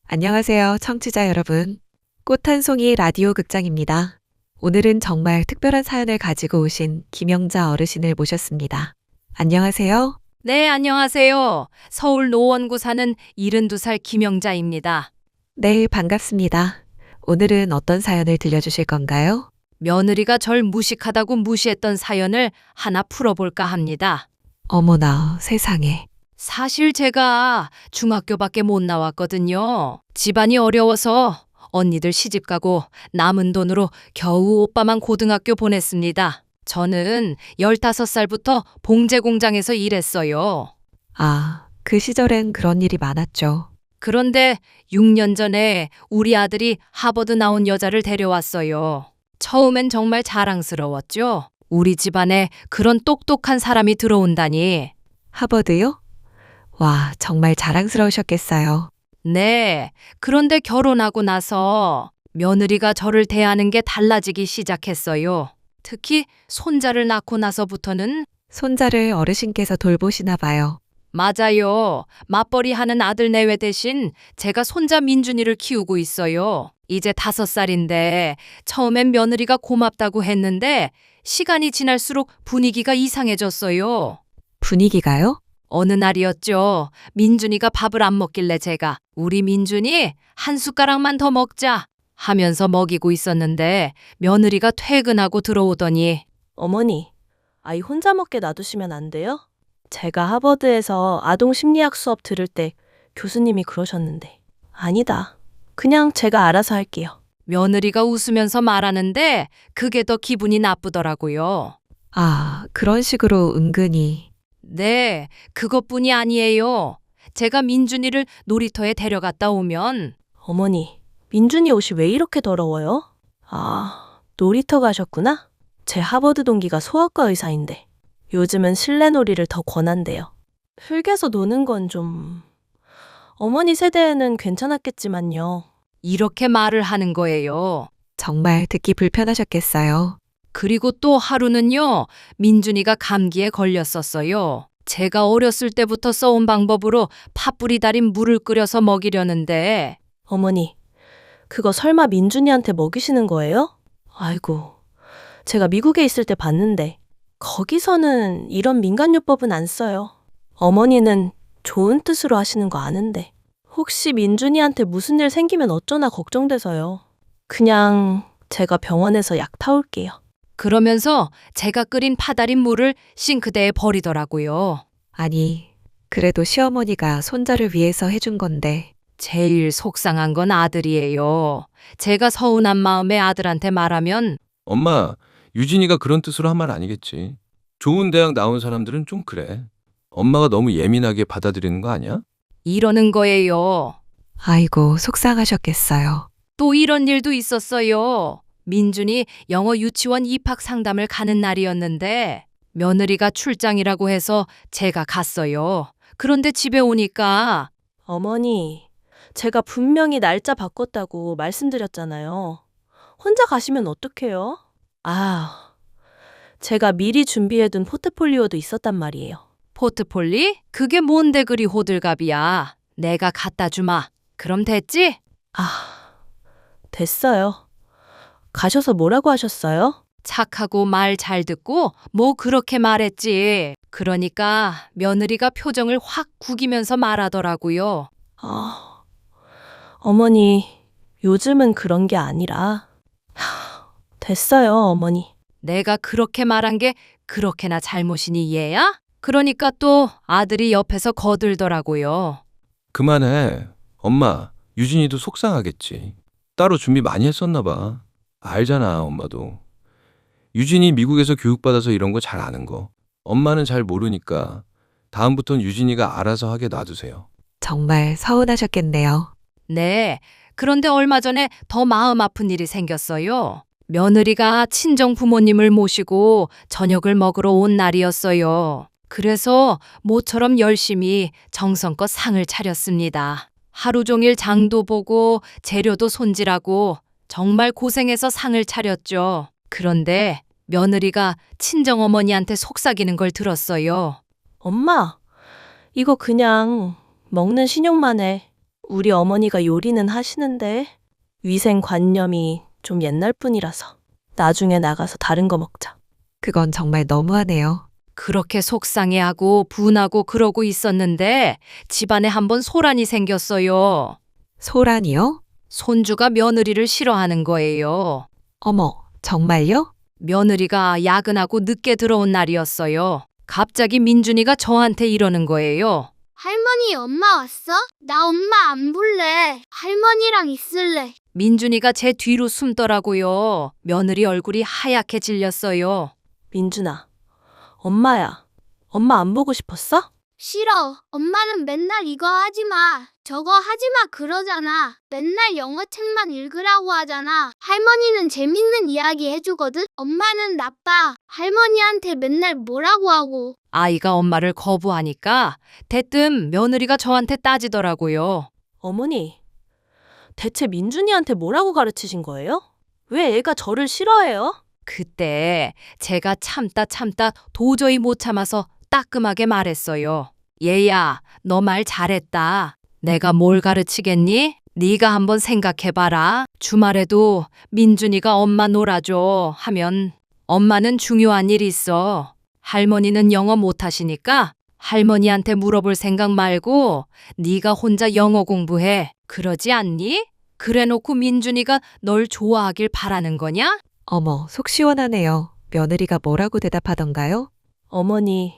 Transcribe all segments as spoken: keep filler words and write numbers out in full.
안녕하세요, 청취자 여러분. 꽃 한 송이 라디오 극장입니다. 오늘은 정말 특별한 사연을 가지고 오신 김영자 어르신을 모셨습니다. 안녕하세요. 네, 안녕하세요. 서울 노원구 사는 일흔두 살 김영자입니다. 네, 반갑습니다. 오늘은 어떤 사연을 들려주실 건가요? 며느리가 절 무식하다고 무시했던 사연을 하나 풀어볼까 합니다. 어머나, 세상에. 사실 제가 중학교밖에 못 나왔거든요. 집안이 어려워서 언니들 시집가고 남은 돈으로 겨우 오빠만 고등학교 보냈습니다. 저는 열다섯 살부터 봉제 공장에서 일했어요. 아, 그 시절엔 그런 일이 많았죠. 그런데 육 년 전에 우리 아들이 하버드 나온 여자를 데려왔어요. 처음엔 정말 자랑스러웠죠. 우리 집안에 그런 똑똑한 사람이 들어온다니. 하버드요? 와, 정말 자랑스러우셨겠어요. 네. 그런데 결혼하고 나서 며느리가 저를 대하는 게 달라지기 시작했어요. 특히 손자를 낳고 나서부터는 손자를 어르신께서 돌보시나 봐요. 맞아요. 맞벌이 하는 아들 내외 대신 제가 손자 민준이를 키우고 있어요. 이제 다섯 살인데 처음엔 며느리가 고맙다고 했는데 시간이 지날수록 분위기가 이상해졌어요. 분위기가요? 어느 날이었죠. 민준이가 밥을 안 먹길래 제가 우리 민준이 한 숟가락만 더 먹자 하면서 먹이고 있었는데 며느리가 퇴근하고 들어오더니 어머니, 아이 혼자 먹게 놔두시면 안 돼요? 제가 하버드에서 아동 심리학 수업 들을 때 교수님이 그러셨는데. 아니다. 그냥 제가 알아서 할게요. 며느리가 웃으면서 말하는데 그게 더 기분이 나쁘더라고요. 아, 그런 식으로 은근히. 네, 그것뿐이 아니에요. 제가 민준이를 놀이터에 데려갔다 오면 어머니, 민준이 옷이 왜 이렇게 더러워요? 아, 놀이터 가셨구나? 제 하버드 동기가 소아과 의사인데 요즘은 실내 놀이를 더 권한대요. 흙에서 노는 건 좀... 어머니 세대에는 괜찮았겠지만요. 이렇게 말을 하는 거예요. 정말 듣기 불편하셨겠어요. 그리고 또 하루는요, 민준이가 감기에 걸렸었어요. 제가 어렸을 때부터 써온 방법으로 팥뿌리 달인 물을 끓여서 먹이려는데 어머니, 그거 설마 민준이한테 먹이시는 거예요? 아이고, 제가 미국에 있을 때 봤는데 거기서는 이런 민간요법은 안 써요. 어머니는 좋은 뜻으로 하시는 거 아는데 혹시 민준이한테 무슨 일 생기면 어쩌나 걱정돼서요. 그냥 제가 병원에서 약 타올게요. 그러면서 제가 끓인 파달인 물을 싱크대에 버리더라고요. 아니, 그래도 시어머니가 손자를 위해서 해준 건데. 제일 속상한 건 아들이에요. 제가 서운한 마음에 아들한테 말하면 엄마, 유진이가 그런 뜻으로 한 말 아니겠지. 좋은 대학 나온 사람들은 좀 그래. 엄마가 너무 예민하게 받아들이는 거 아니야? 이러는 거예요. 아이고, 속상하셨겠어요. 또 이런 일도 있었어요. 민준이 영어 유치원 입학 상담을 가는 날이었는데 며느리가 출장이라고 해서 제가 갔어요. 그런데 집에 오니까 어머니, 제가 분명히 날짜 바꿨다고 말씀드렸잖아요. 혼자 가시면 어떡해요? 아, 제가 미리 준비해둔 포트폴리오도 있었단 말이에요. 포트폴리? 그게 뭔데 그리 호들갑이야. 내가 갖다 주마. 그럼 됐지? 아, 됐어요. 가셔서 뭐라고 하셨어요? 착하고 말 잘 듣고 뭐 그렇게 말했지. 그러니까 며느리가 표정을 확 구기면서 말하더라고요. 아, 어머니, 요즘은 그런 게 아니라. 하, 됐어요, 어머니. 내가 그렇게 말한 게 그렇게나 잘못이니 얘야? 그러니까 또 아들이 옆에서 거들더라고요. 그만해. 엄마, 유진이도 속상하겠지. 따로 준비 많이 했었나 봐. 알잖아, 엄마도. 유진이 미국에서 교육받아서 이런 거 잘 아는 거. 엄마는 잘 모르니까 다음부턴 유진이가 알아서 하게 놔두세요. 정말 서운하셨겠네요. 네. 그런데 얼마 전에 더 마음 아픈 일이 생겼어요. 며느리가 친정 부모님을 모시고 저녁을 먹으러 온 날이었어요. 그래서 모처럼 열심히 정성껏 상을 차렸습니다. 하루 종일 장도 보고 재료도 손질하고 정말 고생해서 상을 차렸죠. 그런데 며느리가 친정어머니한테 속삭이는 걸 들었어요. 엄마, 이거 그냥 먹는 신용만 해. 우리 어머니가 요리는 하시는데 위생관념이 좀 옛날 뿐이라서 나중에 나가서 다른 거 먹자. 그건 정말 너무하네요. 그렇게 속상해하고 분하고 그러고 있었는데 집안에 한번 소란이 생겼어요. 소란이요? 손주가 며느리를 싫어하는 거예요. 어머, 정말요? 며느리가 야근하고 늦게 들어온 날이었어요. 갑자기 민준이가 저한테 이러는 거예요. 할머니, 엄마 왔어? 나 엄마 안 볼래. 할머니랑 있을래. 민준이가 제 뒤로 숨더라고요. 며느리 얼굴이 하얗게 질렸어요. 민준아, 엄마야. 엄마 안 보고 싶었어? 싫어. 엄마는 맨날 이거 하지 마. 저거 하지 마 그러잖아. 맨날 영어책만 읽으라고 하잖아. 할머니는 재밌는 이야기 해주거든. 엄마는 나빠. 할머니한테 맨날 뭐라고 하고. 아이가 엄마를 거부하니까 대뜸 며느리가 저한테 따지더라고요. 어머니, 대체 민준이한테 뭐라고 가르치신 거예요? 왜 애가 저를 싫어해요? 그때 제가 참다 참다 도저히 못 참아서 따끔하게 말했어요. 얘야, 너 말 잘했다. 내가 뭘 가르치겠니? 네가 한번 생각해봐라. 주말에도 민준이가 엄마 놀아줘 하면 엄마는 중요한 일 있어. 할머니는 영어 못하시니까 할머니한테 물어볼 생각 말고 네가 혼자 영어 공부해. 그러지 않니? 그래놓고 민준이가 널 좋아하길 바라는 거냐? 어머, 속 시원하네요. 며느리가 뭐라고 대답하던가요? 어머니,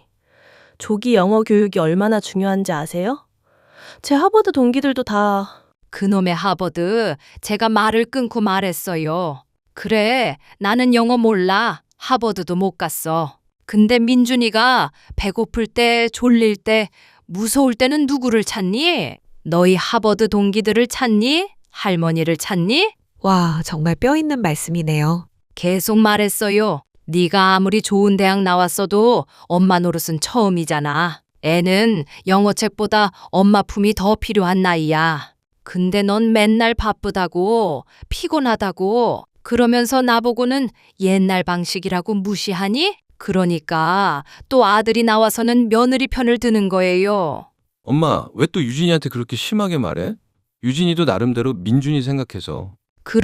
조기 영어 교육이 얼마나 중요한지 아세요? 제 하버드 동기들도 다 그놈의 하버드, 제가 말을 끊고 말했어요. 그래, 나는 영어 몰라. 하버드도 못 갔어. 근데 민준이가 배고플 때, 졸릴 때, 무서울 때는 누구를 찾니? 너희 하버드 동기들을 찾니? 할머니를 찾니? 와, 정말 뼈 있는 말씀이네요. 계속 말했어요. 네가 아무리 좋은 대학 나왔어도 엄마 노릇은 처음이잖아. 애는 영어책보다 엄마 품이 더 필요한 나이야. 근데 넌 맨날 바쁘다고, 피곤하다고, 그러면서 나보고는 옛날 방식이라고 무시하니? 그러니까 또 아들이 나와서는 며느리 편을 드는 거예요. 엄마, 왜 또 유진이한테 그렇게 심하게 말해? 유진이도 나름대로 민준이 생각해서.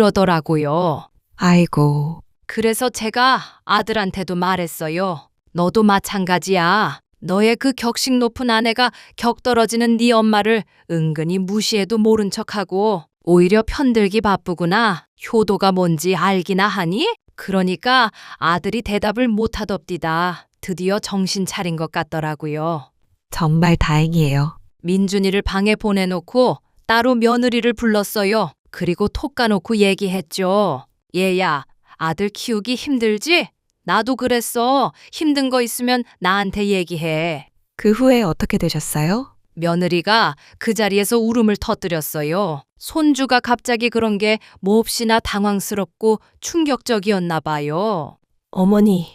그러더라고요. 아이고, 그래서 제가 아들한테도 말했어요. 너도 마찬가지야. 너의 그 격식 높은 아내가 격 떨어지는 네 엄마를 은근히 무시해도 모른 척하고 오히려 편들기 바쁘구나. 효도가 뭔지 알기나 하니? 그러니까 아들이 대답을 못하덥디다. 드디어 정신 차린 것 같더라고요. 정말 다행이에요. 민준이를 방에 보내놓고 따로 며느리를 불렀어요. 그리고 톡 까놓고 얘기했죠. 얘야, 아들 키우기 힘들지? 나도 그랬어. 힘든 거 있으면 나한테 얘기해. 그 후에 어떻게 되셨어요? 며느리가 그 자리에서 울음을 터뜨렸어요. 손주가 갑자기 그런 게 몹시나 당황스럽고 충격적이었나 봐요. 어머니,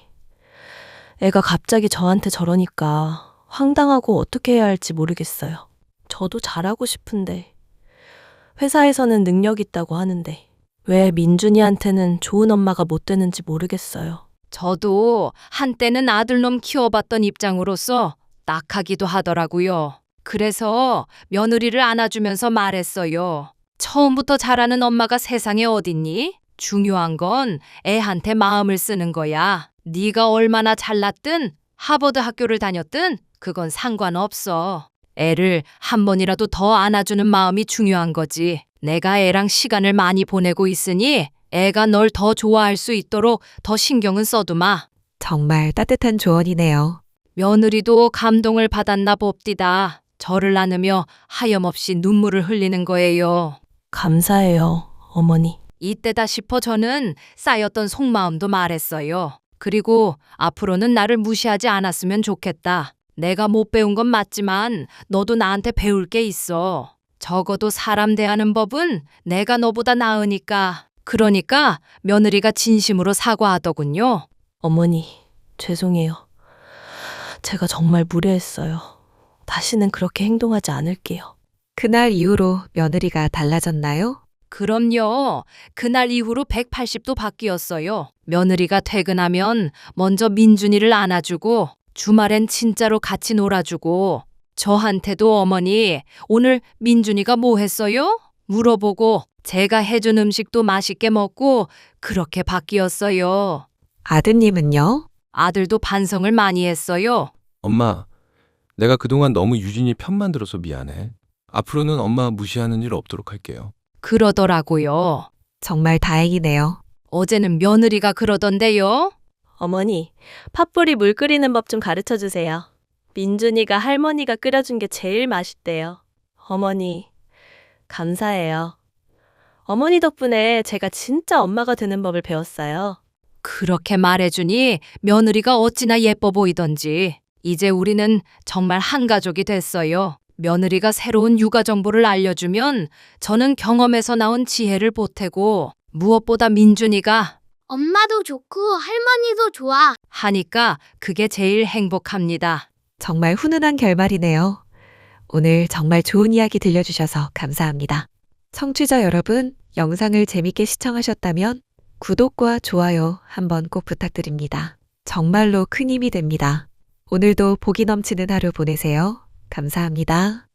애가 갑자기 저한테 저러니까 황당하고 어떻게 해야 할지 모르겠어요. 저도 잘하고 싶은데 회사에서는 능력 있다고 하는데 왜 민준이한테는 좋은 엄마가 못 되는지 모르겠어요. 저도 한때는 아들놈 키워봤던 입장으로서 딱하기도 하더라고요. 그래서 며느리를 안아주면서 말했어요. 처음부터 잘하는 엄마가 세상에 어딨니? 중요한 건 애한테 마음을 쓰는 거야. 네가 얼마나 잘났든 하버드 학교를 다녔든 그건 상관없어. 애를 한 번이라도 더 안아주는 마음이 중요한 거지. 내가 애랑 시간을 많이 보내고 있으니 애가 널 더 좋아할 수 있도록 더 신경은 써두마. 정말 따뜻한 조언이네요. 며느리도 감동을 받았나 봅디다. 저를 안으며 하염없이 눈물을 흘리는 거예요. 감사해요, 어머니. 이때다 싶어 저는 쌓였던 속마음도 말했어요. 그리고 앞으로는 나를 무시하지 않았으면 좋겠다. 내가 못 배운 건 맞지만 너도 나한테 배울 게 있어. 적어도 사람 대하는 법은 내가 너보다 나으니까. 그러니까 며느리가 진심으로 사과하더군요. 어머니, 죄송해요. 제가 정말 무례했어요. 다시는 그렇게 행동하지 않을게요. 그날 이후로 며느리가 달라졌나요? 그럼요. 그날 이후로 백팔십 도 바뀌었어요. 며느리가 퇴근하면 먼저 민준이를 안아주고 주말엔 진짜로 같이 놀아주고 저한테도 어머니, 오늘 민준이가 뭐 했어요? 물어보고 제가 해준 음식도 맛있게 먹고 그렇게 바뀌었어요. 아드님은요? 아들도 반성을 많이 했어요. 엄마, 내가 그동안 너무 유진이 편만 들어서 미안해. 앞으로는 엄마 무시하는 일 없도록 할게요. 그러더라고요. 정말 다행이네요. 어제는 며느리가 그러던데요. 어머니, 팥불이 물 끓이는 법 좀 가르쳐 주세요. 민준이가 할머니가 끓여준 게 제일 맛있대요. 어머니, 감사해요. 어머니 덕분에 제가 진짜 엄마가 되는 법을 배웠어요. 그렇게 말해주니 며느리가 어찌나 예뻐 보이던지. 이제 우리는 정말 한 가족이 됐어요. 며느리가 새로운 육아 정보를 알려주면 저는 경험에서 나온 지혜를 보태고 무엇보다 민준이가 엄마도 좋고 할머니도 좋아. 하니까 그게 제일 행복합니다. 정말 훈훈한 결말이네요. 오늘 정말 좋은 이야기 들려주셔서 감사합니다. 청취자 여러분, 영상을 재밌게 시청하셨다면 구독과 좋아요 한번 꼭 부탁드립니다. 정말로 큰 힘이 됩니다. 오늘도 복이 넘치는 하루 보내세요. 감사합니다.